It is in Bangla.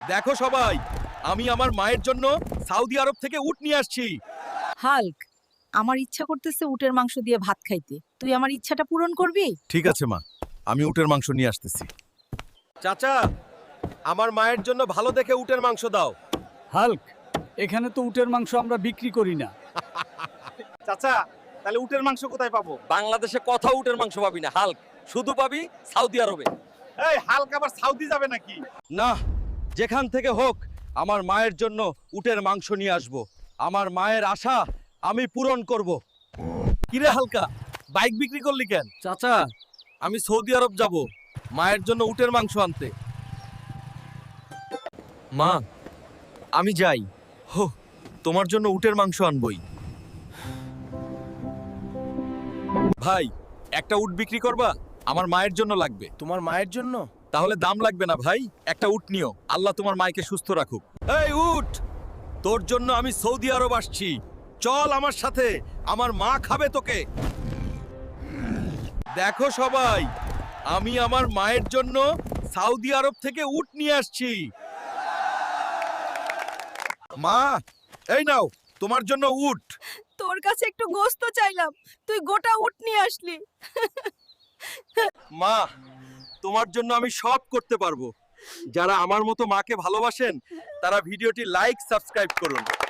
দেখো সবাই, আমি আমার মায়ের জন্য সৌদি আরব থেকে উট নিয়ে আসছি। হাল্ক, আমার ইচ্ছা করতেছে উটের মাংস দিয়ে ভাত খাইতে। তুই আমার ইচ্ছাটা পূরণ করবি? ঠিক আছে মা, আমি উটের মাংস নিয়ে আসতেছি। চাচা, আমার মায়ের জন্য ভালো দেখে উটের মাংস দাও। হাল্ক, এখানে তো উটের মাংস আমরা বিক্রি করি না। চাচা, তাহলে উটের মাংস কোথায় পাবো? বাংলাদেশে কোথাও উটের মাংস পাবি না হাল্ক, শুধু পাবি সৌদি আরবে। এই হালকা আবার সাউদি যাবে নাকি? না, যেখান থেকে হোক আমার মায়ের জন্য উটের মাংস নিয়ে আসব। আমার মায়ের আশা আমি পূরণ করব। কিরে হালকা, বাইক বিক্রি করলি কেন? চাচা, আমি সৌদি আরব যাব মায়ের জন্য উটের মাংস আনতে। মা, আমি যাই। হো, তোমার জন্য উটের মাংস আনবই। ভাই, একটা উট বিক্রি করবা? আমার মায়ের জন্য লাগবে। তোমার মায়ের জন্য? তাহলে দাম লাগবে না ভাই, একটা উট নিও। আল্লাহ তোমার মাকে সুস্থ রাখুক। এই উট, তোর জন্য আমি সৌদি আরব আসছি, চল আমার সাথে, আমার মা খাবে তোকে। দেখো সবাই, আমি আমার মায়ের জন্য সৌদি আরব থেকে উট নিয়ে আসছি। মা, এই নাও তোমার জন্য উট। তোর কাছে একটু গোস্ত চাইলাম, তুই গোটা উট নিয়ে আসলি। মা, তোমার জন্য আমি সব করতে পারবো। যারা আমার মতো মাকে ভালোবাসেন তারা ভিডিওটি লাইক সাবস্ক্রাইব করুন।